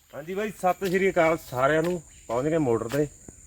ਹਾਂਜੀ ਬਾਈ ਸਤਿ ਸ਼੍ਰੀ ਅਕਾਲ ਸਾਰਿਆਂ ਨੂੰ। ਪਹੁੰਚ ਗਏ ਮੋਟਰ ਤੇ।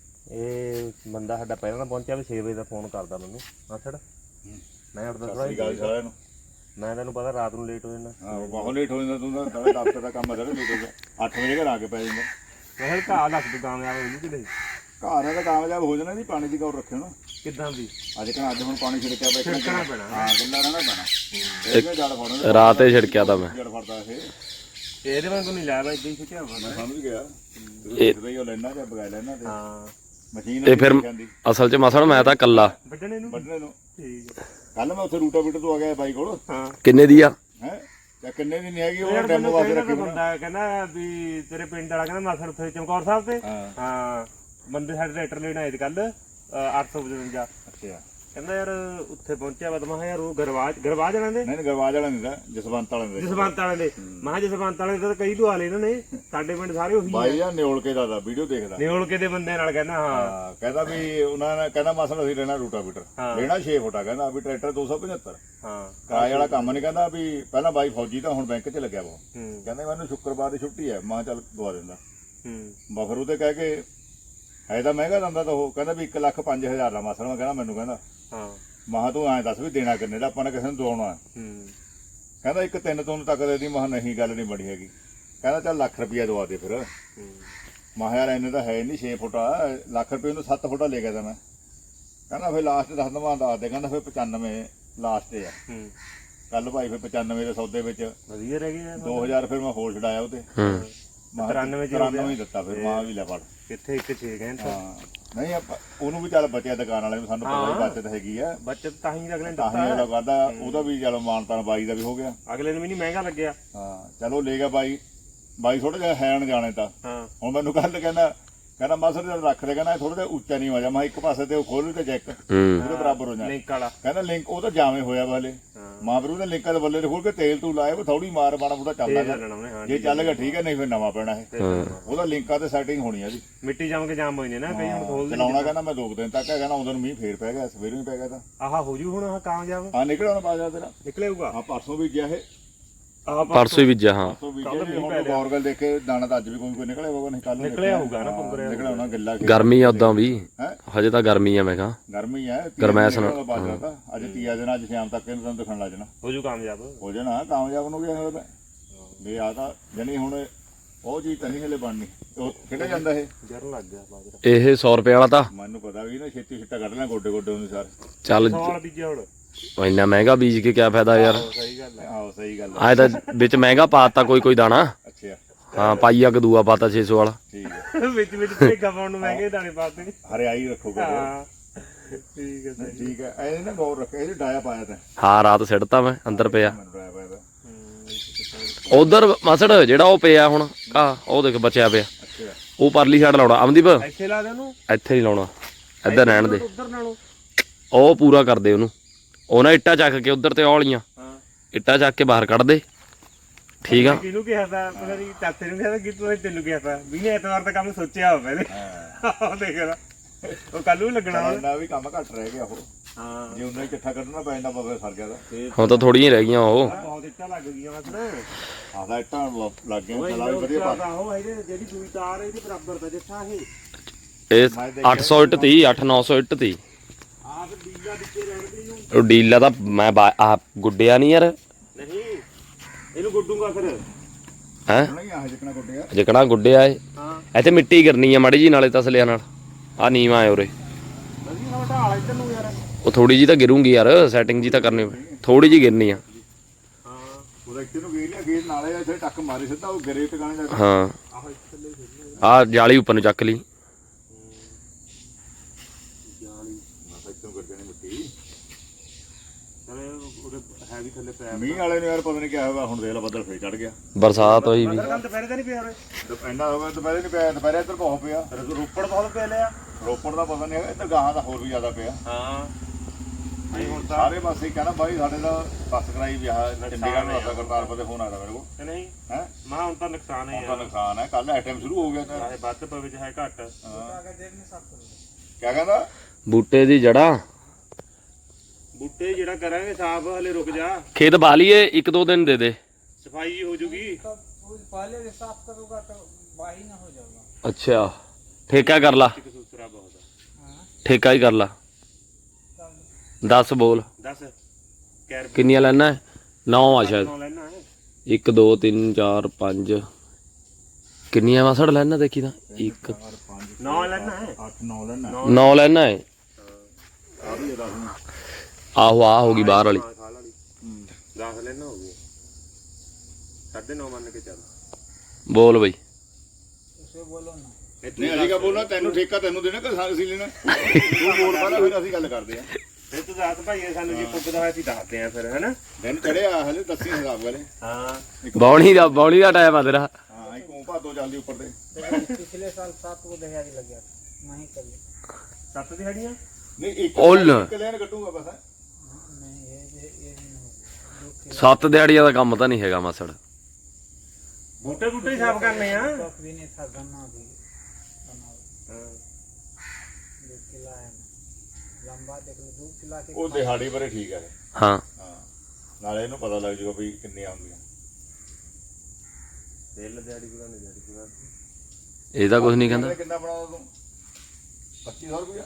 ਇਹ ਬੰਦਾ ਸਾਡਾ ਪਹਿਲਾਂ ਤਾਂ ਪਹੁੰਚਿਆ ਵੀ 6 ਵਜੇ ਦਾ ਫੋਨ ਕਰਦਾ ਮੈਨੂੰ ਆਸੜ ਮੈਂ ਉੱਠਦਾ ਥੋੜਾ ਸਾਰਿਆਂ ਨੂੰ। ਮੈਂ ਤੈਨੂੰ ਪਤਾ ਰਾਤ ਨੂੰ ਲੇਟ ਹੋ ਜਾਂਦਾ। ਹਾਂ ਬਹੁਤ ਲੇਟ ਹੋ ਜਾਂਦਾ ਤੂੰ ਤਾਂ ਦਫ਼ਤਰ ਦਾ ਕੰਮ ਅਦਰ ਲੇਟ ਹੋ ਗਿਆ 8 ਵਜੇ ਘਰ ਆ ਕੇ ਪੈ ਜਾਂਦਾ। ਮੈਂ ਕਿਹਾ ਘਾਹ ਲੱਗ ਤੂੰ ਕਾਮਯਾਬ ਹੋ ਜੂ ਕਿ ਨਹੀਂ। ਘਰ ਦਾ ਕਾਮਯਾਬ ਹੋ ਜਾਣਾ ਨਹੀਂ ਪਾਣੀ ਦੀ ਗੌਰ ਰੱਖਿਓ ਨਾ ਕਿੱਦਾਂ ਵੀ ਅੱਜ ਹੁਣ ਪਾਣੀ ਛਿੜਕਿਆ ਛਿੜਕਣਾ ਪੈਣਾ। ਹਾਂ ਗੱਲਾਂ ਰਹਿਣਾ ਪੈਣਾ ਇਹ ਜੜ ਫੜਨਾ ਰਾਤ ਹੀ ਛਿੜਕਿਆ ਤਾਂ ਮੈਂ ਜੜ ਫੜਦਾ ਇਹ ਇਹਦੇ ਵਾਂਗੂ ਨਹੀਂ ਲਾਇਆ ਬਾਈ ਇੱਦਾਂ ਹੀ ਛਿੜਕਿਆ ਹੋਣਾ। ਮੈਂ ਸਮਝ ਗਿਆ ਦੇਖਦਾ ਹੀ ਉਹ ਲੈਣਾ ਜਾਂ ਬਗਾ ਲੈਣਾ ਤੇ ਹਾਂ ਮਸ਼ੀਨ ਇਹ ਫਿਰ ਅਸਲ 'ਚ ਮਸਲ ਮੈਂ ਤਾਂ ਕੱਲਾ ਵੱਢਣੇ ਨੂੰ ਠੀਕ ਹੈ। ਕੱਲ ਮੈਂ ਉੱਥੇ ਰੂਟਾਵੀਟਰ ਤੋਂ ਆ ਗਿਆ ਬਾਈ ਕੋਲ। ਹਾਂ ਕਿੰਨੇ ਦੀ ਆ ਹੈ ਜਾਂ ਕਿੰਨੇ ਦੀ ਨਹੀਂ ਹੈਗੀ ਉਹ ਯਾਰ ਡੈਮੋ ਵਾਸਤੇ ਰੱਖੀ ਬੰਦਾ ਕਹਿੰਦਾ ਵੀ ਤੇਰੇ ਪਿੰਡ ਵਾਲਾ ਕਹਿੰਦਾ ਮਾਸੜ ਉੱਥੇ ਚਮਕੌਰ ਸਾਹਿਬ ਤੇ ਹਾਂ ਬੰਦੇ ਸਾਡੇ ਟਰੈਕਟਰ ਲੈਣ ਆਏ ਤੇ ਕੱਲ 855 ਅੱਛਾ ਕਹਿੰਦਾ ਯਾਰ ਉੱਥੇ ਪਹੁੰਚਿਆ ਵਾ ਤਾਂ ਮੈਂ ਯਾਰ ਉਹ ਗਰਵਾਜ ਵਾਲਿਆਂ ਦੇ ਨਹੀਂ ਗਰਵਾਜ ਵਾਲਾ ਨਹੀਂ ਦਾ ਜਸਵੰਤ ਵਾਲੇ ਦੇ ਜਸਵੰਤ ਵਾਲੇ ਦੇ ਮੈਂ ਜਸਵੰਤ ਵਾਲੇ ਦੇ ਤਾਂ ਕਈ ਲਵਾ ਲਏ ਇਹਨਾਂ ਨੇ। ਸਾਡੇ ਪਿੰਡ ਸਾਰੇ ਉਹੀ ਬਾਈ ਜਾਂ ਨਿਓਲ ਕੇ ਦਾ ਵੀਡੀਓ ਦੇਖਦਾ ਨਿਓਲਕੇ ਦੇ ਬੰਦੇ ਨਾਲ ਕਹਿੰਦਾ ਹਾਂ ਕਹਿੰਦਾ ਵੀ ਉਹਨਾਂ ਨੇ ਕਹਿੰਦਾ ਮਸਲ ਅਸੀਂ ਲੈਣਾ ਰੂਟਾਵੀਟਰ ਲੈਣਾ 6 ਫੁੱਟਾ ਕਹਿੰਦਾ ਵੀ ਟਰੈਕਟਰ 275 ਹਾਂ ਕਿਰਾਏ ਵਾਲਾ ਕੰਮ ਨਹੀਂ ਕਹਿੰਦਾ ਵੀ ਪਹਿਲਾਂ ਬਾਈ ਫੌਜੀ ਤਾਂ ਹੁਣ ਬੈਂਕ 'ਚ ਲੱਗਿਆ ਵਾ ਹੂੰ ਕਹਿੰਦਾ ਮੈਨੂੰ ਸ਼ੁੱਕਰਵਾਰ ਦੀ ਛੁੱਟੀ ਹੈ ਮੈਂ ਕਿਹਾ ਚੱਲ ਦਵਾ ਦਿੰਦਾ ਹੂੰ ਬਫਰ ਉਹਦੇ ਕਹਿ ਕੇ ਹੈ ਤਾਂ ਮਹਿੰਗਾ ਦਿੰਦਾ ਤਾਂ ਉਹ ਕਹਿੰਦਾ ਵੀ 1,05,000 ਦਾ ਮਸਲ ਮੈਂ ਕਹਿੰਦਾ ਮੈਨੂੰ ਕਹਿੰਦਾ ਹਾਂ ਮਹਾ ਤੂੰ ਐਂ ਦੱਸ ਵੀ ਦੇਣਾ ਕਿੰਨੇ ਦਾ ਆਪਾਂ ਨੇ ਕਿਸੇ ਨੂੰ ਦਵਾਉਣਾ ਹੂੰ ਕਹਿੰਦਾ ਇੱਕ 3 ਤੋਂ ਤੱਕ ਦੇ ਦੀ ਮਹਾ ਨਹੀਂ ਗੱਲ ਨਹੀਂ ਬਣੀ ਹੈਗੀ ਕਹਿੰਦਾ ਚੱਲ ਲੱਖ ਰੁਪਈਆ ਦਵਾ ਦੇ ਫਿਰ ਮਹਾ ਯਾਰ ਇੰਨੇ ਤਾਂ ਹੈ ਨਹੀਂ 6 ਫੁੱਟਾ ਲੱਖ ਰੁਪਏ ਨੂੰ 7 ਫੁੱਟਾ ਲੈ ਗਿਆ ਤਾਂ ਮੈਂ ਕਹਿੰਦਾ ਫਿਰ ਲਾਸਟ ਦੱਸ ਦਵਾਂ ਦੱਸ ਦੇ ਕਹਿੰਦਾ ਫਿਰ 95 ਲਾਸਟ ਆ ਹੂੰ ਕੱਲ ਭਾਈ ਫਿਰ 95 ਦੇ ਸੌਦੇ ਵਿੱਚ ਵਧੀਆ ਰਹਿ ਗਏ 2000 ਫਿਰ ਮੈਂ ਹੋਰ ਛਡਾਇਆ ਉਹਤੇ 93 ਹੀ ਦਿੱਤਾ ਫਿਰ ਮਾਂ ਵੀ ਲੈ ਫੜ ਕਿੱਥੇ 1.6 ਕਹਿੰਦਾ ਹਾਂ ਨਹੀਂ ਆਪਾਂ ਉਹਨੂੰ ਵੀ ਚੱਲ ਬਚਿਆ ਦੁਕਾਨ ਵਾਲੇ ਨੂੰ ਸਾਨੂੰ ਪਤਾ ਹੀ ਬਚਤ ਹੈਗੀ ਆ ਬੱਚਤ ਤਾਂ ਹੀ ਅਗਲੇ ਨੇ ਤਾਂ ਹੀ ਅਗਲਾ ਕਰਦਾ ਉਹਦਾ ਵੀ ਚਲੋ ਮਾਨਤਾਨ ਬਾਈ ਦਾ ਵੀ ਹੋ ਗਿਆ ਅਗਲੇ ਨੂੰ ਵੀ ਨਹੀਂ ਮਹਿੰਗਾ ਲੱਗਿਆ। ਹਾਂ ਚਲੋ ਲੈ ਗਿਆ ਬਾਈ ਥੋੜਾ ਜਿਹਾ ਹੈਣ ਜਾਣੇ ਤਾਂ ਹਾਂ ਹੁਣ ਮੈਨੂੰ ਕੱਲ ਕਹਿੰਦਾ ਮਾਸਰ ਜਦ ਰੱਖ ਦੇ ਕਹਿੰਦਾ ਥੋੜਾ ਜਿਹਾ ਉੱਚਾ ਨਹੀਂ ਵਜਾ ਮੈਂ ਇੱਕ ਪਾਸੇ ਤੇ ਉਹ ਖੋਲ ਤੇ ਚੈੱਕ ਉਹਦੇ ਬਰਾਬਰ ਹੋ ਜਾਣਾ ਲਿੰਕ ਵਾਲਾ ਕਹਿੰਦਾ ਲਿੰਕ ਉਹ ਤਾਂ ਜਾਵੇਂ ਹੋਇਆ ਵਾ ਹਲੇ ਮਾਂ ਫਿਰ ਉਹਨੇ ਲਿੰਕਾਂ ਦੇ ਬੱਲੇ ਤੇ ਖੋਲ ਕੇ ਤੇਲ ਤੂੰ ਲਾਇਆ ਉਹ ਥੋੜੀ ਮਾਰ ਮਾੜਾ ਮੋਟਾ ਚੱਲਦਾ ਜੇ ਚੱਲ ਗਿਆ ਠੀਕ ਹੈ ਨਹੀਂ ਫਿਰ ਨਵਾਂ ਪੈਣਾ ਇਹ ਉਹਦਾ ਲਿੰਕਾਂ ਤੇ ਸੈਟਿੰਗ ਹੋਣੀ ਆ ਜੀ ਮਿੱਟੀ ਜੰਮ ਕੇ ਜਾਮ ਹੋ ਜਾਂਦੇ ਨਾ ਕਈ ਹੁਣ ਖੋਲ ਦੇ ਚਲਾਉਣਾ ਕਹਿੰਦਾ ਮੈਂ 2 ਦਿਨ ਤੱਕ ਕਹਿੰਦਾ ਉਦੋਂ ਨੂੰ ਮੀਂਹ ਫੇਰ ਪੈ ਗਿਆ ਸਵੇਰੇ ਵੀ ਪੈ ਗਿਆ ਤਾਂ ਆਹ ਹੋ ਜੂ ਹੁਣ ਆਹ ਕਾਮਯਾਬ ਆ ਨਿਕਲਿਆ ਹੁਣ ਬਾਜ਼ਾਰ ਤੇਰਾ ਨਿਕਲੇਗਾ। ਆ ਪਰਸੋਂ ਵੀ ਗਿਆ ਇਹ ਆਹ ਪਰਸੋਂ ਹੀ ਬੀਜਿਆ ਹਾਂ ਪਰਸੋਂ ਵੀ ਗਿਆ ਹੁਣ ਗੌਰਗਲ ਦੇਖ ਕੇ ਦਾਣਾ ਤਾਂ ਅੱਜ ਵੀ ਕੋਈ ਨਿਕਲਿਆ ਹੋਊਗਾ ਨਹੀਂ ਕੱਲ ਨਿਕਲਿਆ ਹੋਊਗਾ ਨਾ ਪੰਗਰੇ ਨਿਕਲਿਆ ਹੋਣਾ ਗਿੱਲਾ ਗਰਮੀ ਆ ਉਦਾਂ ਵੀ ਹਜੇ ਤਾਂ ਗਰਮੀ ਆ ਮੈਂ ਕਿਹਾ ਗਰਮੀ ਹੈ ਗਰਮੈਸ਼ ਨਾਲ ਬਾਜਰਾ ਤਾਂ ਅੱਜ ਤੀਆ ਦਿਨ ਅੱਜ ਸ਼ਾਮ ਤੱਕ ਇਹਨੂੰ ਦਿਖਣ ਲੱਗ ਜਾਣਾ ਹੋ ਜੂ ਕਾਮਯਾਬ ਹੋ ਜਾਣਾ ਕਾਮਯਾਬ ਨੂੰ ਵੀ ਹੋਇਆ ਵੀ ਆ ਤਾਂ ਜਣੀ ਹੁਣ ਉਹ ਚੀਜ਼ ਤਾਂ ਨਹੀਂ ਹਲੇ ਬਣਨੀ ਉਹ ਕਿਹੜਾ ਜਾਂਦਾ ਇਹ ਜਰਨ ਲੱਗ ਗਿਆ ਬਾਜਰਾ ਇਹ 100 ਰੁਪਏ ਵਾਲਾ ਤਾਂ ਮੈਨੂੰ ਪਤਾ ਵੀ ਨਾ ਛੇਤੀ ਛਿੱਟਾ ਕੱਢ ਲੈ ਗੋਡੇ ਉਹਨੂੰ ਸਾਰੇ ਚੱਲ ਸਾਲ ਬੀਜਿਆ ਹੁਣ ਇੰਨਾ ਮਹਿੰਗਾ ਬੀਜ ਕੇ ਕਿਆ ਫਾਇਦਾ ਯਾਰ। ਸਹੀ ਗੱਲ ਹੈ। ਆਹੋ ਸਹੀ ਗੱਲ ਆਏ ਤਾਂ ਵਿੱਚ ਮਹਿੰਗਾ ਪਾਤਾ ਕੋਈ ਦਾਣਾ ਅੱਛਾ ਹਾਂ ਪਾਈਆ ਕਦੂਆ ਪਾਤਾ 600 ਵਾਲਾ ਠੀਕ ਹੈ ਵਿੱਚ ਭੇਗਾ ਪਾਉਣ ਨੂੰ ਮਹਿੰਗੇ ਦਾਣੇ ਪਾਤੇ ਹਰਿਆਈ ਰੱਖੋਗਾ ਹਾਂ ਠੀਕ ਹੈ ਠੀਕ ਹੈ ਐ ਨਾ ਗੌਰ ਰੱਖਿਆ ਇਹ ਡਾਇਆ ਪਾਇਆ ਤਾਂ ਹਾਂ ਰਾਤ ਸਿੱਟਤਾ ਮੈਂ ਅੰਦਰ ਪਿਆ ਡਾਇਆ ਪਾਇਆ ਤਾਂ ਉਧਰ ਮਸੜ ਜਿਹੜਾ ਉਹ ਪਿਆ ਹੁਣ ਆ ਉਹ ਦੇਖ ਬਚਿਆ ਪਿਆ ਅੱਛਾ ਉਹ ਪਰਲੀ ਸਾਈਡ ਲਾਉਣਾ ਅਮਦੀਪ ਇੱਥੇ ਲਾ ਦੇ ਉਹਨੂੰ ਇੱਥੇ ਨਹੀਂ ਲਾਉਣਾ ਇੱਧਰ ਰਹਿਣ ਦੇ ਉਧਰ ਨਾਲੋਂ ਉਹ ਪੂਰਾ ਕਰ ਦੇ ਉਹਨੂੰ ਉਹ ਨਾ ਇੱਟਾਂ ਚੱਕ ਕੇ ਉਧਰ ਤੇ ਔਲੀਆਂ ਹਾਂ ਇੱਟਾਂ ਚੱਕ ਕੇ ਬਾਹਰ ਕੱਢ ਦੇ ਠੀਕ ਆ। ਕਿਹਨੂੰ ਕਿਹਾ ਤਾਂ ਪਤਾ ਨਹੀਂ ਚਾਚੇ ਨੂੰ ਕਿਹਾ ਕਿ ਤੂੰ ਤੈਨੂੰ ਕਿਹਾ ਤਾਂ ਵੀ ਨੇ ਐਤਵਾਰ ਦਾ ਕੰਮ ਸੋਚਿਆ ਹੋ ਪਹਿਲੇ ਉਹ ਦੇਖ ਲੈ ਉਹ ਕੱਲ ਨੂੰ ਲੱਗਣਾ ਨਾ ਵੀ ਕੰਮ ਘੱਟ ਰਹਿ ਗਿਆ ਉਹ ਹਾਂ ਜੇ ਉਹਨਾਂ ਹੀ ਇਕੱਠਾ ਕੱਢਣਾ ਪੈਂਦਾ ਬਾਬੇ ਸਰ ਗਿਆ ਤਾਂ ਹੁਣ ਤਾਂ ਥੋੜੀਆਂ ਰਹਿ ਗਈਆਂ ਉਹ ਬਹੁਤ ਇੱਟਾਂ ਲੱਗ ਗਈਆਂ ਮਸਲ ਆਦਾ ਇੱਟਾਂ ਲੱਗ ਗਈਆਂ ਚਲਾ ਵੀ ਵਧੀਆ ਪਾ ਉਹ ਇਹਦੇ ਜਿਹੜੀ ਦੂਈ ਤਾਰ ਇਹਦੇ ਬਰਾਬਰ ਦਾ ਜਿੱਥਾ ਇਹ ਇਹ 800 ਇੱਟ ਤੀ 8-900 ਇੱਟ ਤੀ ਆਪ ਡੀਲਾ ਵਿੱਚੇ ਰਹਿਣਗੇ ਨੂੰ ਉਹ ਡੀਲਾ ਤਾਂ ਮੈਂ ਆ ਗੁੱਡਿਆ ਨਹੀਂ ਯਾਰ ਨਹੀਂ ਇਹਨੂੰ ਗੁੱਡੂਗਾ ਫਿਰ ਹੈ ਨਹੀਂ ਆ ਜਿਕਣਾ ਗੁੱਡਿਆ ਜਿਕਣਾ ਗੁੱਡਿਆ ਏ ਹਾਂ ਇੱਥੇ ਮਿੱਟੀ ਗਿਰਨੀ ਆ ਮਾੜੀ ਜੀ ਨਾਲੇ ਤਸਲਿਆਂ ਨਾਲ ਆ ਨੀਵਾਂ ਆਏ ਉਰੇ ਵਧੀਆ ਨਾ ਢਾਲ ਇੱਧਰ ਨੂੰ ਯਾਰ ਉਹ ਥੋੜੀ ਜੀ ਤਾਂ ਗਿਰੂਗੀ ਯਾਰ ਸੈਟਿੰਗ ਜੀ ਤਾਂ ਕਰਨੀ ਥੋੜੀ ਜੀ ਗਿਰਨੀ ਆ ਹਾਂ ਉਹਦਾ ਇੱਥੇ ਨੂੰ ਗੇਰ ਲਿਆ ਗੇਰ ਨਾਲੇ ਇੱਥੇ ਟੱਕ ਮਾਰੀ ਸਿੱਧਾ ਉਹ ਗਰੇ ਟਿਕਾਣੇ ਜਾ ਹਾਂ ਆਹ ਥੱਲੇ ਫਿਰਨੇ ਆ ਜਾਲੀ ਉੱਪਰ ਨੂੰ ਚੱਕ ਲਈ ਜਾਲੀ ਮੈਂ ਇੱਥੋਂ ਕਰਦੇ ਨੇ ਮਿੱਟੀ ਚਲੇ ਉਹਦੇ ਹੈ ਵੀ ਥੱਲੇ ਪਿਆ ਮੀਂਹ ਵਾਲੇ ਨੂੰ ਯਾਰ ਪਤਾ ਨਹੀਂ ਕਿਆ ਹੋਇਆ ਹੁਣ ਦੇਖ ਲਾ ਬੱਦਲ ਫੇਰ ਚੜ ਗਿਆ ਬਰਸਾਤ ਹੋਈ ਵੀ ਕੱਲ ਦੁਪਹਿਰੇ ਤਾਂ ਨਹੀਂ ਪਿਆ ਉਰੇ ਇੰਨਾ ਹੋ ਗਿਆ ਦੁਪਹਿਰੇ ਨਹੀਂ ਪਿਆ ਦੁਪਹਿਰੇ ਇੱਧਰ ਬਹੁਤ ਪਿਆ ਰੋਪੜ ਬਹੁਤ ਪੈ ਲਿਆ ਰੋਪੜ ਦਾ ਪਤਾ ਨਹੀਂ ਹੈਗਾ ਇੱਧਰ ਗਾਹਾਂ ਦਾ ਹੋਰ ਵੀ ਜ਼ਿਆਦਾ ਪਿਆ ਹਾਂ ਨਹੀਂ ਹੁਣ ਤਾਂ ਸਾਰੇ ਪਾਸੇ ਕਹਿੰਦਾ ਬਾਈ ਸਾਡੇ ਦਾ ਬੱਸ ਕਰਾਈ ਵਿਆਹ ਚੰਡੀਗੜ੍ਹ ਨੂੰ ਅਸਾ ਕਰਤਾਰਪੁਰ ਦੇ ਫੋਨ ਆਇਆ ਮੇਰੇ ਕੋਲ ਕਿ ਨਹੀਂ ਹੈ ਮਾ ਹੁਣ ਤਾਂ ਨੁਕਸਾਨ ਹੈ ਹੁਣ ਤਾਂ ਯਾਰ ਨੁਕਸਾਨ ਹੈ ਕੱਲ ਐਟਮ ਸ਼ੁਰੂ ਹੋ ਗਿਆ ਤਾਂ ਚਾਹੇ ਵੱਧ ਪਵੇ ਚਾਹੇ ਘੱਟ ਕਿਆ ਕਹਿੰਦਾ ਬੂਟੇ ਦੀ ਜੜ੍ਹਾਂ ਬੂਟੇ ਜਿਹੜਾ ਕਰਾਂਗੇ ਸਾਫ ਹਲੇ ਰੁਕ ਜਾ ਖੇਤ ਬਾ ਲਈਏ 1-2 ਦਿਨ ਦੇ ਦੇ ਸਫਾਈ ਹੋ ਜੂਗੀ कुछ पहले से साफ करूँगा तो बाही ना हो जाएगा। ਅੱਛਾ ਠੇਕਾ ਕਰ ਲਾ, ਇੱਕ ਦੂਸਰਾ ਬਹੁਤ ਆ। हाँ ਠੇਕਾ ਹੀ ਕਰ ਲਾ। 10 ਬੋਲ 10 ਕੈਰ ਕਿੰਨੀਆਂ ਲੈਣਾ? 9 ਆ ਸ਼ਾਇਦ। ਲੈਣਾ ਹੈ 1 2 3 4 5 ਕਿੰਨੀਆਂ ਮਸੜ ਲੈਣਾ ਦੇਖੀ ਤਾਂ 1 9 ਲੈਣਾ ਹੈ 8 9 ਲੈਣਾ 9 ਲੈਣਾ ਹੈ। ਆ ਵੀ 10 ਨੂੰ ਆਹੋ ਆ ਹੋ ਗਈ ਬਾਹਰ ਵਾਲੀ। ਖਾਲ ਵਾਲੀ 10 ਲੈਣਾ ਹੋ ਗਿਆ 9.5 ਮੰਨ ਕੇ ਚੱਲ। ਬੋਲ ਬਈ। उसे बोलो ना। ਨਹੀਂ ਅਸੀਂ ਕਾ ਬੋਲਣਾ ਤੈਨੂੰ ਠੇਕਾ ਤੈਨੂੰ ਦੇਣਾ ਕਿ ਅਸੀਂ ਲੈਣਾ ਤੂੰ ਬੋਲ ਪਹਿਲਾਂ ਫਿਰ ਅਸੀਂ ਗੱਲ ਕਰਦੇ ਆ ਫਿਰ ਤੂੰ ਦੱਸ ਭਾਈ ਸਾਨੂੰ ਜੇ ਪੁੱਗਦਾ ਹੋਇਆ ਅਸੀਂ ਦੱਸਦੇ ਆ ਫਿਰ ਹੈਨਾ। ਦਿਨ ਚੜਿਆ ਹਲੇ ਦੱਸੀ ਹਿਸਾਬ ਵਾਲੇ ਹਾਂ ਬੌਣੀ ਦਾ ਟਾਈਮ ਆ ਤੇਰਾ। ਹਾਂ ਇੱਕ ਉਹ ਭਾਦੋ ਚੱਲਦੀ ਉੱਪਰ ਤੇ पिछले साल 7 को दहेज लग गया मैं ही कर लिया। 7 ਦਿਹਾੜੀਆਂ ਨਹੀਂ ਇੱਕ ਉੱਲ। ਇੱਕ ਲੈਣ ਕੱਟੂਗਾ ਬਸ नहीं ये भी नहीं 7 ਦਿਹਾੜੀਆਂ ਦਾ ਕੰਮ ਤਾਂ ਨਹੀਂ ਹੈਗਾ ਮਸੜ। ਬੂਟੇ ਬੂਟੇ ਹੀ ਸਾਫ਼ ਕਰਨੇ ਆ। तक भी नहीं था गन्ना भी बनाओ ਹਾਂ 2 किला है लंबा देख लो 2 किला के ਉਹ ਦਿਹਾੜੀ ਬਾਰੇ ਠੀਕ ਹੈ ਹਾਂ ਹਾਂ ਨਾਲੇ ਇਹਨੂੰ ਪਤਾ ਲੱਗ ਜੂਗਾ ਵੀ ਕਿੰਨੇ ਆਉਂਦੀਆਂ ਦਿਲ ਦਿਹਾੜੀ ਪੂਰਾ ਨਹੀਂ ਦਿਹਾੜੀ ਪੂਰਾ ਇਹ ਤਾਂ ਕੁਝ ਨਹੀਂ ਕਹਿੰਦਾ। ਕਿੰਨਾ ਬਣਾਉਂਦਾ ਤੂੰ 2500 ਰੁਪਇਆ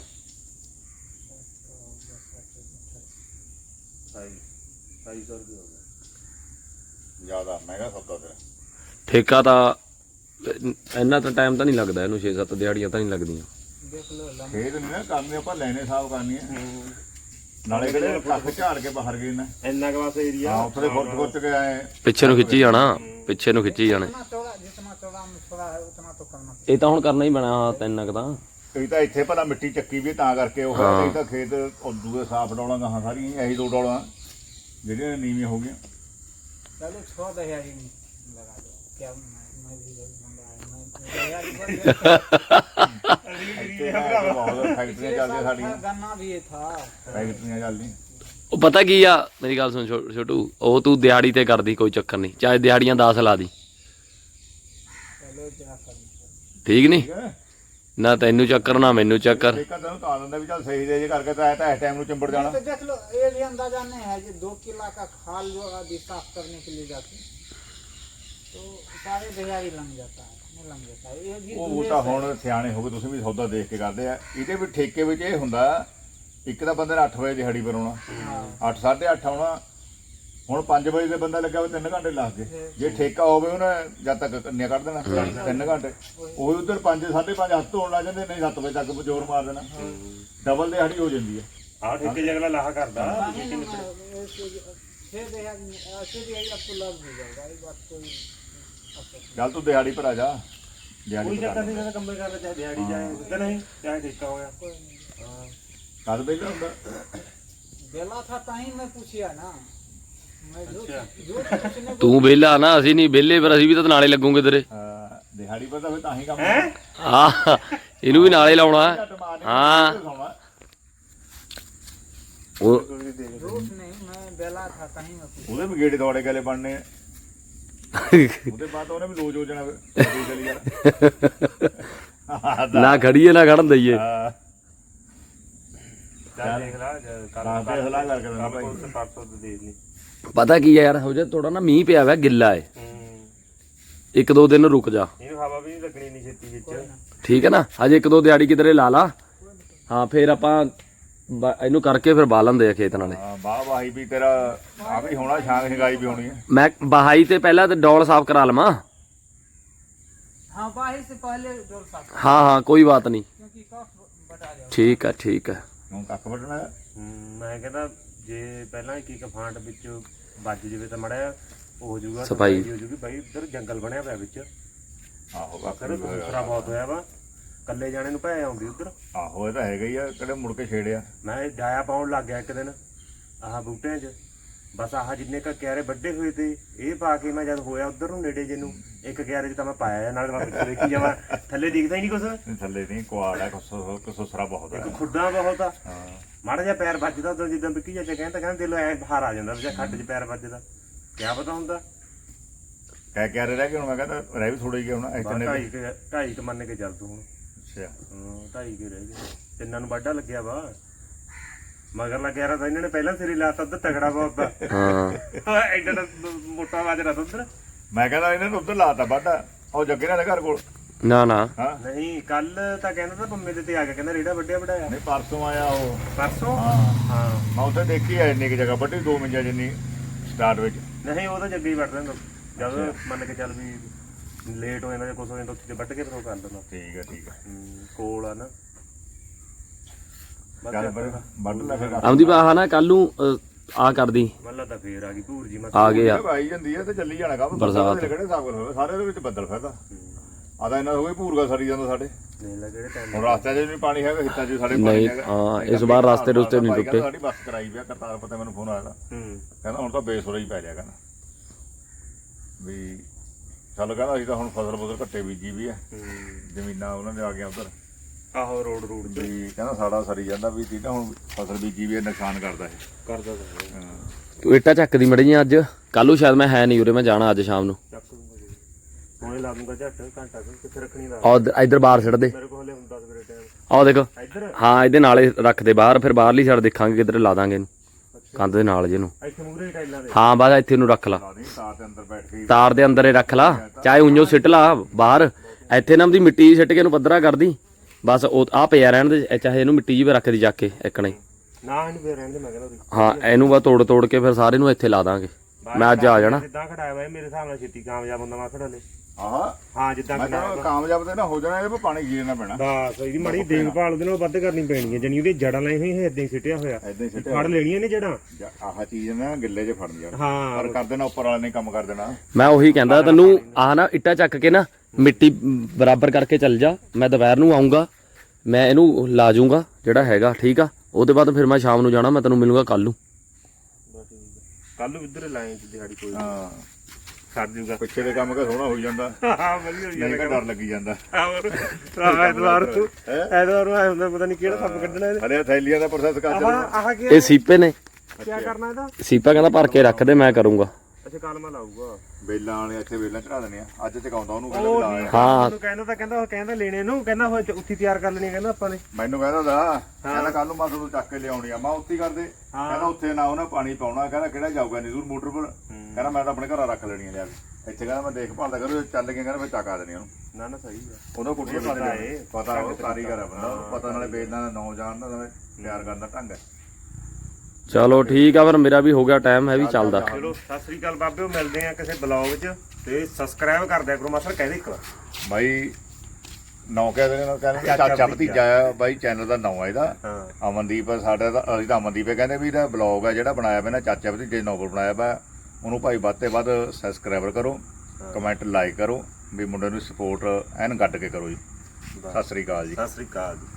250 ਰੁਪਏ ਹੋ ਗਿਆ। ਜ਼ਿਆਦਾ ਮਹਿੰਗਾ ਸੌਦਾ ਤੇਰਾ ਠੇਕਾ ਤਾਂ ਇੰਨਾ ਤਾਂ ਟਾਈਮ ਤਾਂ ਨਹੀਂ ਲੱਗਦਾ ਇਹਨੂੰ 6-7 ਦਿਹਾੜੀਆਂ ਤਾਂ ਨਹੀਂ ਲੱਗਦੀਆਂ। देख लो लंबा ਖੇਤ ਨਹੀਂ ਨਾ ਕਰਨੇ ਆਪਾਂ ਲੈਣੇ ਸਾਫ ਕਰਨੀ ਹੈ ਨਾਲੇ ਕਿਹੜੇ ਲੱਖ ਝਾੜ ਕੇ ਬਾਹਰ ਗਏ ਨਾ ਇੰਨਾ ਕੁ ਬਸ ਏਰੀਆ ਹਾਂ ਉੱਥੇ ਗੁੱਟ ਕੇ ਆਏ ਪਿੱਛੇ ਨੂੰ ਖਿੱਚੀ ਜਾਣਾ, ਪਿੱਛੇ ਨੂੰ ਖਿੱਚੀ ਜਾਣੇ। जितना चौड़ा मछुआरा है उतना तो करना ਇਹ ਤਾਂ ਹੁਣ ਕਰਨਾ ਹੀ ਪੈਣਾ 3 ਕੁ ਤਾਂ। ਕਈ ਤਾਂ ਇੱਥੇ ਭਲਾ ਮਿੱਟੀ ਚੱਕੀ ਵੀ ਤਾਂ ਕਰਕੇ ਉਹ ਹੋਇਆ ਨਹੀਂ ਤਾਂ ਖੇਤ ਉਦੋਂ ਦੇ ਸਾਫ ਡੋਲਾਂ ਗਾਹਾਂ ਸਾਰੀਆਂ ਇਹੀ 2 ਡੋਲਾਂ ਜਿਹੜੀਆਂ ਨੀਵੀਆਂ ਹੋ ਗਈਆਂ चलो 6 दहेज नहीं लगा दो क्या मैं भी बंदा है मैं दहेज बन गया ਇੱਥੇ ਤਾਂ ਬਹੁਤ ਫੈਕਟਰੀਆਂ ਚੱਲਦੀਆਂ ਸਾਡੀਆਂ गन्ना भी ये था ਫੈਕਟਰੀਆਂ ਚੱਲਦੀਆਂ ਉਹ ਪਤਾ ਕੀ ਆ ਮੇਰੀ ਗੱਲ ਸੁਣ ਛੋਟੂ, ਉਹ ਤੂੰ ਦਿਹਾੜੀ ਤੇ ਕਰਦੀ ਕੋਈ ਚੱਕਰ ਨਹੀਂ, ਚਾਹੇ ਦਿਹਾੜੀਆਂ 10 ਲਾ ਦੀ, चलो क्या करना ਠੀਕ ਨਹੀਂ? ਠੀਕ ਹੈ ਨਾ ਤੈਨੂੰ ਚੱਕਰ ਨਾ ਮੈਨੂੰ ਚੱਕਰ। ਠੇਕਾ ਤੈਨੂੰ ਤਾਂ ਦਿੰਦਾ ਵੀ ਚੱਲ ਸਹੀ ਦੇ ਜੇ ਕਰਕੇ ਤਾਂ ਇਸ ਟਾਈਮ ਨੂੰ ਚੰਬੜ ਜਾਣਾ तो देख लो ये भी अंदाजा नहीं है जो 2 किला का खाल जो अभी साफ करने के लिए जाते तो सारे दहेज लग जाता है नहीं लग जाता है ये भी ਉਹ ਤਾਂ ਹੁਣ ਸਿਆਣੇ ਹੋ ਗਏ ਤੁਸੀਂ ਵੀ ਸੌਦਾ ਦੇਖ ਕੇ ਕਰਦੇ ਆ ਇਹਦੇ ਵੀ ਠੇਕੇ ਵਿੱਚ ਇਹ ਹੁੰਦਾ ਇੱਕ ਤਾਂ ਬੰਦੇ ਨੇ 8 ਵਜੇ ਦਿਹਾੜੀ ਪਰ ਆਉਣਾ 8 8:30 ਆਉਣਾ ਹੁਣ 5 ਵਜੇ ਦੇ ਬੰਦਾ ਲੱਗਾ ਹੋਵੇ 3 ਘੰਟੇ ਲੱਗ ਗਏ ਜੇ ਠੇਕਾ ਹੋਵੇ ਉਹਨੇ ਜਦ ਤੱਕ ਕੰਨਿਆ ਕੱਢ ਦੇਣਾ 3 ਘੰਟੇ ਉਹੀ ਉਧਰ 5 5:30 ਹੱਥ ਧੋਣ ਲੱਗ ਜਾਂਦੇ ਨਹੀਂ 7 ਵਜੇ ਤੱਕ ਜ਼ੋਰ ਮਾਰ ਦੇਣਾ ਡਬਲ ਦਿਹਾੜੀ ਹੋ ਜਾਂਦੀ ਹੈ ਆਹ ਠੇਕੇ ਜਗਲਾ ਲਾਹਾ ਕਰਦਾ 6 दहेज ऐसे दहेज आपको लग भी जाएगा ये बात कोई ਚੱਲ ਤੂੰ ਦਿਹਾੜੀ ਪਰ ਆ ਜਾ ਦਿਹਾੜੀ ਕੋਈ ਪਰ ਚੱਕਰ ਨਹੀਂ ਕਹਿੰਦਾ ਕੰਮੇ ਕਰਦਾ ਚਾਹੇ ਦਿਹਾੜੀ ਜਾਏ ਉਧਰ ਨਹੀਂ ਚਾਹੇ ਠੇਕਾ ਹੋਇਆ ਹਾਂ ਕਦ ਬੇਲਾ ਹੁੰਦਾ बेला था ताही मैं पूछिया ना मैं जो पूछने ਤੂੰ ਵਿਹਲਾ ਨਾ, ਅਸੀਂ ਨਹੀਂ ਵਿਹਲੇ, ਪਰ ਅਸੀਂ ਵੀ ਤਾਂ ਨਾਲੇ ਲੱਗੂਗੇ ਤੇਰੇ। ਦਿਹਾੜੀ ਪਰ ਤਾਂ ਫਿਰ ਤਾਂ ਹੀ ਕੰਮ ਹੈ ਆ ਇਹਨੂੰ ਵੀ ਨਾਲੇ ਲਾਉਣਾ। ਹਾਂ ਉਹ रूठ नहीं मैं बेला था ताही मैं पूछा ਉਹਦੇ ਵੀ ਗੇੜੇ ਦੌੜੇ ਗਲੇ ਬਣਨੇ ਆ। ਉਹਦੇ ਬਾਅਦ ਉਹਨੇ ਵੀ ਲੋਜ ਹੋ ਜਾਣਾ ਫਿਰ ਚਲੀ ਜਾਣਾ ਨਾ ਖੜੀਏ ਨਾ ਖੜਨ ਦਈਏ। ਹਾਂ ਚੱਲ ਦੇਖ ਲਾ ਹਾਂ ਤੇ ਸਲਾਹ ਕਰਕੇ ਦਿੰਦਾ ਭਾਈ ਪੁਲਿਸ 500 ਦੇ ਦੇ ਪਤਾ ਕੀ ਆ ਯਾਰ, ਹੋ ਜਾ ਥੋੜਾ ਨਾ ਮੀਂਹ ਪਿਆ ਵਾ, ਗਿੱਲਾ ਏ, 1-2 ਦਿਨ ਰੁਕ ਜਾ, ਇਹਨੂੰ ਹਵਾ ਵੀ ਨਹੀਂ ਲੱਗਣੀ ਨਹੀਂ ਛੇਤੀ ਵਿੱਚ ਠੀਕ ਹੈ ਨਾ? ਹਜੇ 1-2 ਦਿਹਾੜੀ ਕਿਧਰੇ ਲਾ ਲਾ। ਹਾਂ ਫਿਰ ਆਪਾਂ ਇਹਨੂੰ ਕਰਕੇ ਫਿਰ ਬਾਹ ਲੈਂਦੇ ਆ ਖੇਤ ਨਾਲੇ। ਹਾਂ ਵਾਹ ਵਾਹੀ ਵੀ ਤੇਰਾ ਆ ਵੀ ਹੋਣਾ, ਛਾਂਗ ਛਗਾਈ ਵੀ ਹੋਣੀ ਹੈ। ਮੈਂ ਬਹਾਈ ਤੇ ਪਹਿਲਾਂ ਤੇ ਡੋਲ ਸਾਫ਼ ਕਰਾ ਲਵਾਂ। हाँ बाही से पहले डोल साफ ਹਾਂ ਹਾਂ ਕੋਈ ਬਾਤ ਨਹੀਂ, क्योंकि कफ बटा जाएगा ਠੀਕ ਆ ਠੀਕ ਆ। ਹੁਣ ਕੱਖ ਵੱਢਣਾ ਹੈ। ਮੈਂ ਕਹਿੰਦਾ ਜੇ ਪਹਿਲਾਂ ਇੱਕ ਫਾਂਟ ਵਿੱਚ ਵੱਜ ਜਵੇ ਤਾਂ ਮੜਿਆ ਉਹ ਹੋ ਜਾਊਗਾ ਸਫਾਈ ਹੋ ਜਾਊਗੀ ਬਾਈ ਉੱਧਰ ਜੰਗਲ ਬਣਿਆ ਪਿਆ ਵਿੱਚ ਆਹੋ ਕੱਖ ਫਿਰ ਦੂਸਰਾ ਬਹੁਤ ਹੋਇਆ ਵਾ ਕੱਲੇ ਜਾਣੇ ਨੂੰ ਭੈ ਆਉਂਦੀ ਉੱਧਰ। ਆਹੋ ਇਹ ਤਾਂ ਹੈਗਾ ਹੀ ਆ, ਕਿਹੜੇ ਮੁੜ ਕੇ ਛੇੜਿਆ। ਮੈਂ ਡਾਇਆ ਪਾਉਣ ਲੱਗ ਗਿਆ ਇੱਕ ਦਿਨ ਆਹ ਬੂਟਿਆਂ 'ਚ, ਬਸ ਆਹ ਜਿੰਨੇ ਕ ਕਿਆਰੇ ਵੱਡੇ ਹੋਏ ਤੇ ਇਹ ਪਾ ਕੇ ਮੈਂ ਜਦ ਹੋਇਆ ਉੱਧਰ ਨੂੰ ਨੇੜੇ ਜੇ ਨੂੰ ਇੱਕ ਕਿਆਰੇ 'ਚ ਤਾਂ ਮੈਂ ਪਾਇਆ ਨਾਲ ਮੈਂ ਪਿੱਛੇ ਦੇਖੀ ਜਾਵਾਂ ਥੱਲੇ ਦਿਖਦਾ ਹੀ ਨਹੀਂ ਕੁਛ, ਥੱਲੇ ਨਹੀਂ ਕੁਆੜ ਹੈ, ਕਸੂਸਰਾ ਬਹੁਤ ਹੈ। ਇੱਕ ਖੁੱਡਾ ਬਹੁਤ ਆ, ਹਾਂ ਮਾੜਾ ਜਿਹਾ ਪੈਰ ਵੱਜਦਾ ਉਦੋਂ ਜਿੱਦਾਂ ਵਿੱਕੀ ਚਾਚਾ ਕਹਿੰਦਾ ਦਿਲ ਐ ਬਾਹਰ ਆ ਜਾਂਦਾ ਜਾਂ ਖੱਡ 'ਚ ਪੈਰ ਵੱਜਦਾ ਕਿਆ ਪਤਾ ਹੁੰਦਾ। ਕਹਿ ਕੇ ਰਹਿ ਗਏ ਹੁਣ, ਮੈਂ ਕਹਿੰਦਾ ਰਹਿ ਵੀ ਥੋੜੇ ਹੀ ਹੁਣ ਇਸ ਤਿੰਨੇ ਵੀ। ਢਾਈ ਕ ਮੰਨ ਕੇ ਚੱਲ ਤੂੰ ਹੁਣ। ਅੱਛਾ ਹਾਂ 2.5 ਕੇ ਰਹਿ ਗਏ, ਤਿੰਨਾਂ ਨੂੰ ਵਾਢਾ ਲੱਗਿਆ ਵਾ ਮਗਰ ਲੱਗਿਆ ਤਾਂ ਇਹਨਾਂ ਨੇ ਪਹਿਲਾਂ ਸਿਰੇ ਲਾਤਾ ਉੱਧਰ ਤਗੜਾ ਬਹੁਤ ਦਾ ਹਾਂ ਐਡਾ ਮੋਟਾ ਵਾਜਰਾ ਤਾਂ ਉੱਧਰ ਮੈਂ ਕਹਿੰਦਾ ਇਹਨਾਂ ਨੂੰ ਉੱਧਰ ਲਾਤਾ ਵੱਢ ਉਹ ਜੱਗੇ ਨਾਲ ਦੇ ਘਰ ਕੋਲ ਨਾ ਨਾ ਹਾਂ ਨਹੀਂ ਕੱਲ ਤਾਂ ਕਹਿੰਦਾ ਤਾਂ ਪੰਮੇ ਦੇ ਤੇ ਆ ਕੇ ਕਹਿੰਦਾ ਰੇੜਾ ਵੱਡਿਆ ਵਡਾਇਆ ਨਹੀਂ ਪਰਸੋਂ ਆਇਆ ਉਹ ਪਰਸੋਂ ਹਾਂ ਹਾਂ ਮੈਂ ਉੱਥੇ ਦੇਖੀ ਆ ਇੰਨੀ ਕਿ ਜਗ੍ਹਾ ਵੱਢੀ 2 ਮਿੰਟਾਂ ਜਿੰਨੀ ਸਟਾਰਟ ਵਿੱਚ ਨਹੀਂ ਉਹ ਤਾਂ ਜੱਗੇ ਹੀ ਵੱਢ ਲੈਂਦਾ ਜਦ ਮੰਨ ਕੇ ਚੱਲ ਵੀ ਲੇਟ ਹੋ ਜਾਂਦਾ ਜਾਂ ਕੁਛ ਹੋ ਜਾਂਦਾ ਉੱਥੇ ਵੱਢ ਕੇ ਫਿਰ ਉਹ ਕਰ ਦਿੰਦਾ ਠੀਕ ਆ ਕੋਲ ਆ ਨਾ ਚੱਲ ਪਰ ਵੱਢ ਲੈ ਫਿਰ ਆਉਂਦੀ ਬਾਹ ਨਾ ਕੱਲ ਨੂੰ ਆ ਕਰਦੀ ਮੱਲਾ ਤਾਂ ਫੇਰ ਆ ਗਈ ਭੂਰ ਜੀ ਆ ਗਏ ਆ ਆਈ ਜਾਂਦੀ ਹੈ ਤੇ ਚੱਲੀ ਜਾਣਾ ਕੰਮ ਬਰਸਾਤ। ਕਿਹੜੇ ਸਾਗਲ ਹੋਵੇ ਸਾਰੇ ਦੇ ਵਿੱਚ ਬੱਦਲ ਫਿਰਦਾ ਆਦਾ ਇਹਨਾਂ ਹੋਵੇ ਭੂਰਗਾ ਸੜੀ ਜਾਂਦਾ ਸਾਡੇ ਨਹੀਂ ਲੱਗੇ ਟਾਈਮ ਹੁਣ ਰਸਤੇ 'ਚ ਨਹੀਂ ਪਾਣੀ ਹੈਗਾ ਹਿੱਤਾਂ 'ਚ ਸਾਡੇ ਪਾਣੀ ਨਹੀਂ ਹੈਗਾ ਹਾਂ ਇਸ ਵਾਰ ਰਸਤੇ ਰੁਸਤੇ ਨਹੀਂ ਟੁੱਟੇ ਸਾਡੀ ਬੱਸ ਕਰਾਈ ਪਿਆ ਕਰਤਾਰ ਪਤਾ ਮੈਨੂੰ ਫੋਨ ਆਇਆ ਕਹਿੰਦਾ ਹੁਣ ਤਾਂ ਬੇਸੁਰਾ ਹੀ ਪੈ ਜਾਏਗਾ ਨਾ ਵੀ ਚੱਲ ਕਹਿੰਦਾ ਅਸੀਂ ਤਾਂ ਹੁਣ ਫਸਲ ਘੱਟੇ ਬੀਜੀ ਵੀ ਹੈ ਜ਼ਮੀਨਾਂ ਉਹਨਾਂ ਦੇ ਆ ਗਈਆਂ ਉਧਰ ਆਹੋ ਰੋਡ ਵੀ ਕਹਿੰਦਾ ਸਾਡਾ ਸਰੀ ਜਾਂਦਾ ਵੀ ਠੀਕ ਆ ਹੁਣ ਫਸਲ ਬੀਜੀ ਵੀ ਨੁਕਸਾਨ ਕਰਦਾ ਇਹ ਕਰਦਾ ਤਾਂ ਹਾਂ ਤੂੰ ਇੱਟਾਂ ਚੱਕਦੀ ਮੜੀਆਂ ਅੱਜ ਕੱਲ ਨੂੰ ਸ਼ਾਇਦ ਮੈਂ ਹੈ ਨਹੀਂ ਉਰੇ ਮੈਂ ਜਾਣਾ ਅੱਜ ਸ਼ਾਮ ਨੂੰ ਚੱਕ ਲੂੰਗਾ ਜੀ ਹੁਣੇ ਲਾ ਦੂੰਗਾ ਝੱਟ ਘੰਟਾ ਕੁ, ਕਿੱਥੇ ਰੱਖਣੀ ਦਾ ਆ ਇੱਧਰ ਬਾਹਰ ਛੱਡ ਦੇ ਮੇਰੇ ਕੋਲ ਹਲੇ ਹੁੰਦਾ ਸਵੇਰੇ ਟਾਈਮ ਆਹ ਦੇਖ ਇੱਧਰ ਹਾਂ ਇਹਦੇ ਨਾਲੇ ਰੱਖ ਦੇ ਬਾਹਰ ਫਿਰ ਬਾਹਰਲੀ ਸਾਈਡ ਦੇਖਾਂਗੇ ਕਿੱਧਰ ਲਾ ਦਾਂਗੇ ਇਹਨੂੰ ਕੰਧ ਦੇ ਨਾਲ ਜਿਹਨੂੰ ਇੱਥੇ ਮੂਰੇ ਟਾਈਲਾਂ ਦੇ ਹਾਂ ਬਸ ਇੱਥੇ ਨੂੰ ਰੱਖ ਲਾ ਲਾ ਦੇ ਤਾਰ ਦੇ ਅੰਦਰ ਬੈਠ ਕੇ ਤਾਰ ਦੇ ਅੰਦਰ ਹੀ ਰੱਖ ਲਾ ਚਾਹੇ ਉਂਝੋ ਸਿੱਟ ਲਾ ਬਾਹਰ ਇੱਥੇ ਨਾ ਉਹਦੀ ਮਿੱਟੀ ਸਿੱਟ ਕੇ ਇਹਨੂੰ ਪੱਧਰਾ ਕਰਦੀ ਬਸ ਉਹ ਆ ਪਿਆ ਰਹਿਣ ਦੇ ਚਾਹੇ ਇਹਨੂੰ ਮਿੱਟੀ ਜੀ ਵੀ ਰੱਖ ਦੀ ਜਾ ਕੇ ਇੱਕਣੇ ਨਾ ਇਹਨੂੰ ਫੇਰ ਰਹਿਣ ਦੇ ਮੈਂ ਕਹਿੰਦਾ ਉਰੇ। ਹਾਂ ਇਹਨੂੰ ਬਸ ਤੋੜ ਕੇ ਫਿਰ ਸਾਰੇ ਨੂੰ ਇੱਥੇ ਲਾ ਦਾਂਗੇ ਮੈਂ ਅੱਜ ਆ ਜਾਣਾ ਜਿੱਦਾਂ ਖੜਾਇਆ ਵਾ ਇਹ ਮੇਰੇ ਹਿਸਾਬ ਨਾਲ ਛੇਤੀ ਕਾਮਯਾਬ ਹੁੰਦਾ ਮਾਥੜ ਹਲੇ ਆਹਾ ਹਾਂ ਜਿੱਦਾਂ ਮੈਂ ਕਹਿੰਦਾ ਕਾਮਯਾਬ ਤੇ ਨਾ ਹੋ ਜਾਣਾ ਇਹਦੇ 'ਤੇ ਪਾਣੀ ਗੀਰਨਾ ਪੈਣਾ ਬਸ ਇਹਦੀ ਮੜੀ ਦੇਖਭਾਲ ਉਹਦੇ ਨਾਲ ਵੱਧ ਕਰਨੀ ਪੈਣੀ ਹੈ ਜਣੀ ਉਹਦੀ ਜੜਾਂ ਲਾਈ ਹੋਈ ਇਦਾਂ ਹੀ ਸਿੱਟਿਆ ਹੋਇਆ ਐਦਾਂ ਹੀ ਸਿੱਟੇ ਫੜ ਲੈਣੀਆਂ ਨੇ ਜੜਾਂ ਆਹ ਚੀਜ਼ ਨਾ ਗਿੱਲੇ 'ਚ ਫੜਨ ਜਾਣ ਹਾਂ ਪਰ ਕਰ ਦੇਣਾ ਉੱਪਰ ਵਾਲੇ ਨੇ ਕੰਮ ਕਰ ਦੇਣਾ ਮੈਂ ਉਹੀ ਕਹਿੰਦਾ ਤੈਨੂੰ ਆਹ ਨਾ ਇੱਟਾਂ ਚੱਕ ਕੇ ਨਾ ਮਿੱਟੀ ਬਰਾਬਰ ਕਰਕੇ ਚੱਲ ਜਾ ਮੈਂ ਦੁਪਹਿਰ ਨੂੰ ਆਉਂਗਾ ਮੈਂ ਇਹਨੂੰ ਲਾ ਜੂੰਗਾ ਜਿਹੜਾ ਹੈਗਾ ਠੀਕ ਆ ਉਹਦੇ ਬਾਅਦ ਫਿਰ ਮੈਂ ਸ਼ਾਮ ਨੂੰ ਜਾਣਾ ਮੈਂ ਤੈਨੂੰ ਮਿਲੂੰਗਾ ਕੱਲ ਨੂੰ ਕੱਲ ਨੂੰ ਇੱਧਰ ਲਾਈਨ ਚ ਦਿਹਾੜੀ ਕੋਈ ਹਾਂ ਛੱਡ ਜੂਗਾ ਪਿੱਛੇ ਦੇ ਕੰਮ ਸੋਹਣਾ ਹੋਈ ਜਾਂਦਾ ਹਾਂ ਵਧੀਆ ਹੋਈ ਨਹੀਂ ਤਾਂ ਡਰ ਲੱਗੀ ਜਾਂਦਾ ਹੋਰ ਐਤਵਾਰ ਨੂੰ ਆਇਆ ਹੁੰਦਾ ਪਤਾ ਨਹੀਂ ਕਿਹੜਾ ਸੱਪ ਕੱਢਣਾ ਇਹਦੇ ਹਲੇ ਥੈਲੀਆਂ ਦਾ ਪ੍ਰੋਸੈਸ ਕਰ ਚੱਲਣਾ ਆਹ ਕੀ ਇਹ ਸੀਪੇ ਨੇ ਕੀ ਕਰਨਾ ਇਹਦਾ ਸੀਪਾ ਕਹਿੰਦਾ ਭਰ ਕੇ ਰੱਖ ਦੇ ਮੈਂ ਕਰੂੰਗਾ ਅੱਛਾ ਕਾਲਮਾ ਲਾਊਗਾ ਬੇਲਾਂ ਵਾਲੇ ਇੱਥੇ ਬੇਲਾਂ ਚੜਾ ਦੇਣੇ ਆ ਅੱਜ ਚਕਾਉਂਦਾ ਉਹਨੂੰ ਕਹਿੰਦਾ ਵੀ ਲਾ ਆਇਆ। ਹਾਂ ਉਹਨੂੰ ਕਹਿੰਦਾ ਲੈਣੇ ਨੂੰ ਕਹਿੰਦਾ ਉਹ ਉੱਥੀ ਤਿਆਰ ਕਰ ਲੈਣੀ ਕਹਿੰਦਾ ਆਪਾਂ ਨੇ ਮੈਨੂੰ ਕਹਿੰਦਾ ਕੱਲ ਨੂੰ ਮੈਂ ਤੁਹਾਨੂੰ ਚੱਕ ਕੇ ਲਿਆਉਣੀ ਆ ਮੈਂ ਉੱਥੇ ਹੀ ਕਰਦੇ ਕਹਿੰਦਾ ਉੱਥੇ ਨਾ ਉਹਨਾਂ ਪਾਣੀ ਪਾਉਣਾ ਕਹਿੰਦਾ ਕਿਹੜਾ ਜਾਊਗਾ ਨਹੀਂ ਦੂਰ ਮੋਟਰ ਪਰ ਕਹਿੰਦਾ ਮੈਂ ਤਾਂ ਆਪਣੇ ਘਰਾਂ ਰੱਖ ਲੈਣੀ ਆ ਲਿਆ ਕੇ ਇੱਥੇ ਕਹਿੰਦਾ ਮੈਂ ਦੇਖਭਾਲ ਦਾ ਕਰੂ ਚੱਲ ਕੇ ਕਹਿੰਦਾ ਮੈਂ ਚੱਕਾ ਦੇਣੀ ਉਹਨੂੰ ਨਾ ਨਾ ਸਹੀ ਆ ਉਹਦਾ ਕੁੱਟੀਆਂ ਪਤਾ ਉਹ ਕਾਰੀਗਰ ਆ ਬੰਦਾ ਪਤਾ ਨਾਲੇ ਬੇਲਾਂ ਦਾ ਨਾਂ ਜਾਣਦਾ ਤਿਆਰ ਕਰਨ ਦਾ ਢੰਗ ਹੈ ਚਲੋ ਠੀਕ ਆ ਫਿਰ ਮੇਰਾ ਵੀ ਹੋ ਗਿਆ ਟਾਈਮ ਹੈ ਵੀ ਚੱਲਦਾ ਚਲੋ ਸਤਿ ਸ੍ਰੀ ਅਕਾਲ ਬਾਬਿਓ ਮਿਲਦੇ ਆ ਕਿਸੇ ਬਲੌਗ 'ਚ ਤੇ ਸਬਸਕ੍ਰਾਈਬ ਕਰ ਦਿਆ ਕਰੋ ਮਾਸਰ ਕਹਿੰਦੇ ਇੱਕ ਵਾਰ ਬਾਈ ਨਾਂ ਕਹਿ ਦੇਣਾ ਕਹਿੰਦੇ ਚਾਚਾ ਭਤੀਜਾ ਆ ਬਾਈ ਚੈਨਲ ਦਾ ਨਾਂ ਆ ਇਹਦਾ ਹਾਂ ਅਮਨਦੀਪ ਸਾਡਾ ਤਾਂ ਅਸੀਂ ਤਾਂ ਅਮਨਦੀਪ ਕਹਿੰਦੇ ਵੀ ਇਹਦਾ ਬਲੌਗ ਆ ਜਿਹੜਾ ਬਣਾਇਆ ਪਿਆ ਨਾ ਚਾਚਾ ਭਤੀਜੇ ਨੋਵਲ ਬਣਾਇਆ ਪਿਆ ਉਹਨੂੰ ਭਾਈ ਵੱਧ ਤੇ ਵੱਧ ਸਬਸਕ੍ਰਾਈਬਰ ਕਰੋ ਕਮੈਂਟ ਲਾਈਕ ਕਰੋ ਵੀ ਮੁੰਡੇ ਨੂੰ ਸਪੋਰਟ ਐਨ ਗੱਡ ਕੇ ਕਰੋ ਜੀ ਸਤਿ ਸ੍ਰੀ ਅਕਾਲ ਜੀ ਸਤਿ ਸ੍ਰੀ ਅਕਾਲ ਜੀ